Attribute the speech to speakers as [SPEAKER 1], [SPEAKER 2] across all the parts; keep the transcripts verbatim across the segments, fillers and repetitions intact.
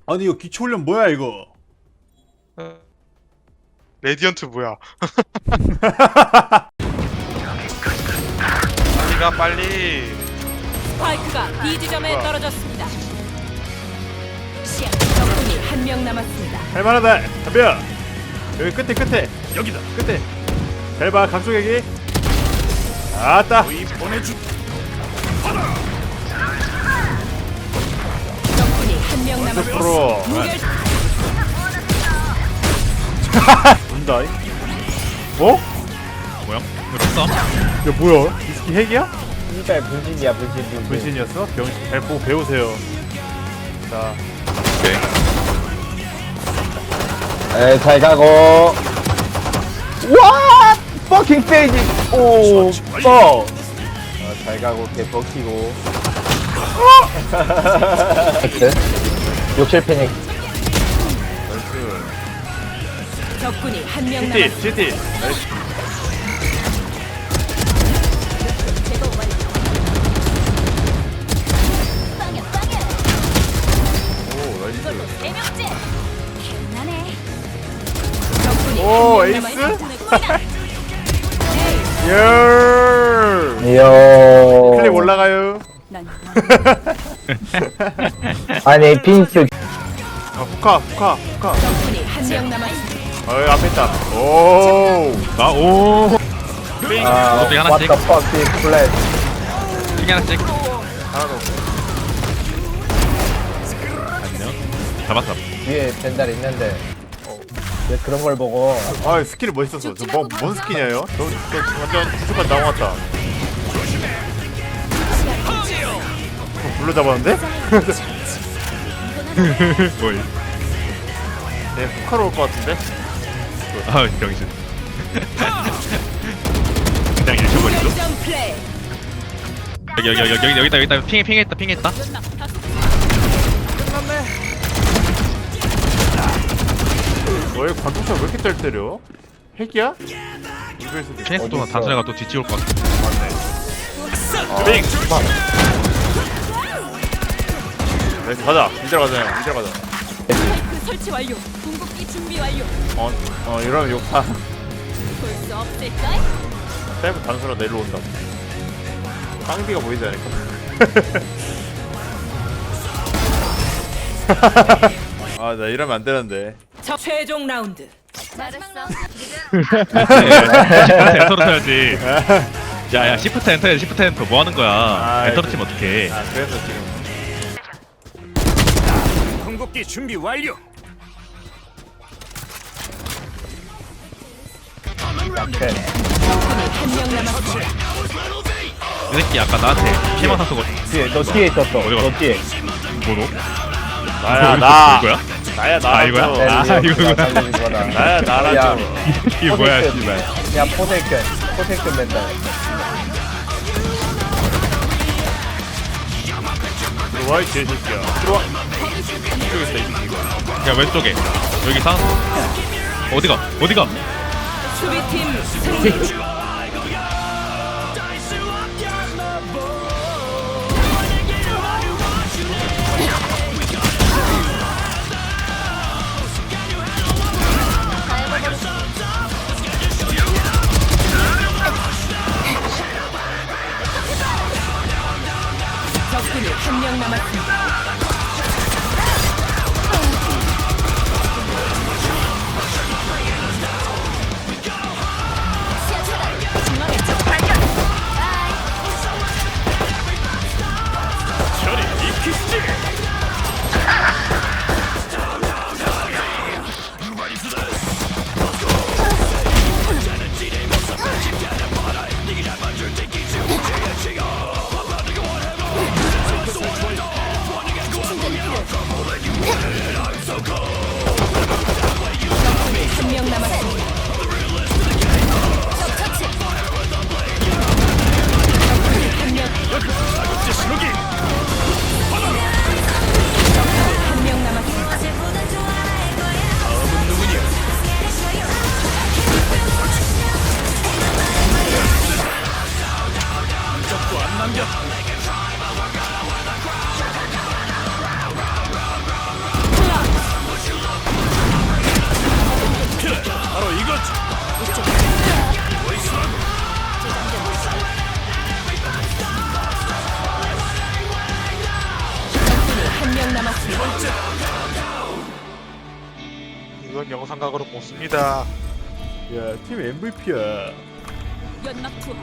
[SPEAKER 1] 아니 이거 기초훈련 뭐야 이거?
[SPEAKER 2] 어. 레디언트 뭐야? 빨리 가 빨리.
[SPEAKER 3] 스파이크가 B 지점에
[SPEAKER 2] 우와.
[SPEAKER 3] 떨어졌습니다. 적군이 한 명 남았습니다.
[SPEAKER 1] 할만하다. 담벼. 여기 끝에 끝에 여기다 끝에. 잘 봐 각쪽에게. 아따. 보내주.
[SPEAKER 3] 적군이 한 명 남았습니다.
[SPEAKER 1] 프로.
[SPEAKER 3] 무결
[SPEAKER 1] 본다. 어?
[SPEAKER 4] 뭐야? 그랬어?
[SPEAKER 1] 야 뭐야? 이 스키 핵이야?
[SPEAKER 5] 이발 분신이야 분신 분신.
[SPEAKER 1] 분신이었어? 병신 잘 보고 배우세요. 자.
[SPEAKER 4] 오케이.
[SPEAKER 5] 에, 잘 가고. 와! 퍼킹 페이지. 오, 뻐. 어, 잘 가고 개 버키고. 욕실 패닉.
[SPEAKER 3] 적군이 한 명
[SPEAKER 1] 지티
[SPEAKER 3] 남았습니다.
[SPEAKER 1] 지티.
[SPEAKER 3] 적군이
[SPEAKER 1] 오,
[SPEAKER 3] 한 명
[SPEAKER 1] 에이스?
[SPEAKER 3] 남았습니다.
[SPEAKER 1] 열.
[SPEAKER 5] 이요.
[SPEAKER 1] 클립 올라가요.
[SPEAKER 5] 아니, 핀스.
[SPEAKER 1] 아 후카 후카 후카.
[SPEAKER 3] 적군이 한 명 남았습니다.
[SPEAKER 1] 어 앞에 있다. 오.
[SPEAKER 4] 나 오.
[SPEAKER 5] 아,
[SPEAKER 4] 어떻게
[SPEAKER 5] what
[SPEAKER 4] 하나씩?
[SPEAKER 5] the fuck this flash.
[SPEAKER 4] 핑 하나씩.
[SPEAKER 1] 하나 더.
[SPEAKER 4] 안녕. 잡았어.
[SPEAKER 5] 위에 벤달 있는데. 어, 왜 그런 걸 보고.
[SPEAKER 1] 아 스킬이 멋있었어. 저뭐뭔 스킨이에요? 저, 저 완전 구속까지 나온 것 같다. 어, 불러 잡았는데?
[SPEAKER 4] 뭘?
[SPEAKER 1] 네 후카로 올 것 같은데?
[SPEAKER 4] 아 병신. 그냥 잃혀버리죠.
[SPEAKER 3] 결점 플레이.
[SPEAKER 4] 여기 여기 여기 여기 여기다 여기다 핑해 핑했다 핑했다.
[SPEAKER 1] 너의 관통차 왜 이렇게 잘 때려? 핵이야? 우리가
[SPEAKER 4] 핑했어 동안 단순해가 또 뒤집을 것 같아.
[SPEAKER 1] 빙! 네 가자 이대로 가자 형 이대로 가자.
[SPEAKER 3] 스파이크 설치 완료. 궁극기 준비 완료.
[SPEAKER 1] 어, 어 이러면 욕하.
[SPEAKER 3] 볼 수 없을까?
[SPEAKER 1] 세이브 단수로 내려온다. 깡비가 보이지 않을까? 아 나 이러면 안 되는데.
[SPEAKER 3] 적 최종 라운드.
[SPEAKER 4] 시프트 엔터로 쳐야지. 야야 시프트 엔터야 시프트 엔터 뭐 하는 거야?
[SPEAKER 1] 아,
[SPEAKER 4] 엔터로
[SPEAKER 1] 이거-
[SPEAKER 4] 치면 어떡해?
[SPEAKER 1] 아 그래서 지금
[SPEAKER 6] 궁극기 준비 완료.
[SPEAKER 5] 오케이.
[SPEAKER 3] 한 명 남았습니다.
[SPEAKER 4] 이 새끼 아까 나한테 피해만 사서 거
[SPEAKER 5] 뒤에, 너 뒤에 있었어.
[SPEAKER 4] 어디
[SPEAKER 5] 너 뒤에.
[SPEAKER 4] 뭐로?
[SPEAKER 1] 나야 나
[SPEAKER 4] 이거야?
[SPEAKER 1] 나야 나
[SPEAKER 4] 아, 이거야?
[SPEAKER 5] 네,
[SPEAKER 4] 아,
[SPEAKER 5] 위에
[SPEAKER 4] 이거구나.
[SPEAKER 5] 네가 달려진 거다.
[SPEAKER 1] 나야
[SPEAKER 5] 야.
[SPEAKER 1] 나라죠.
[SPEAKER 4] 이게 뭐야 씨발.
[SPEAKER 5] 야, 포세이큰. 포세이큰 멘탈.
[SPEAKER 1] 들어와 이 개새끼야. 들어와. 여기 있다 이 새끼가.
[SPEAKER 4] 야 왼쪽에 여기 사 어디가 어디가
[SPEAKER 3] 수비팀 승리. 적군이 한 명 남았습니다.
[SPEAKER 2] 이건 영상각으로 못 씁니다.
[SPEAKER 1] 야팀 엠브이피야.
[SPEAKER 3] 연막 투하.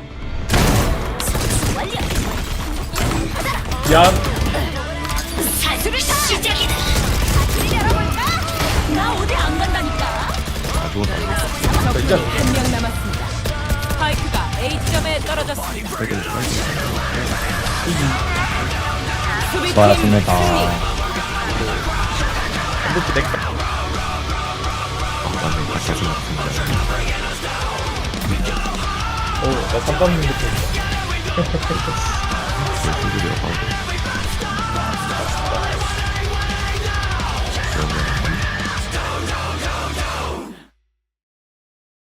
[SPEAKER 5] 미안.
[SPEAKER 3] 사수를 시작이다. 열어볼까? 나 어디 안 간다니까.
[SPEAKER 4] 아 누웠다.
[SPEAKER 3] 적군이 한 명 남았습니다. 스파이크가 A점에 떨어졌습니다. 수비팀
[SPEAKER 5] 수고하셨습니다.
[SPEAKER 3] 승리.
[SPEAKER 5] 엠브이피 넥. 오, 나 삼 번 냈는데.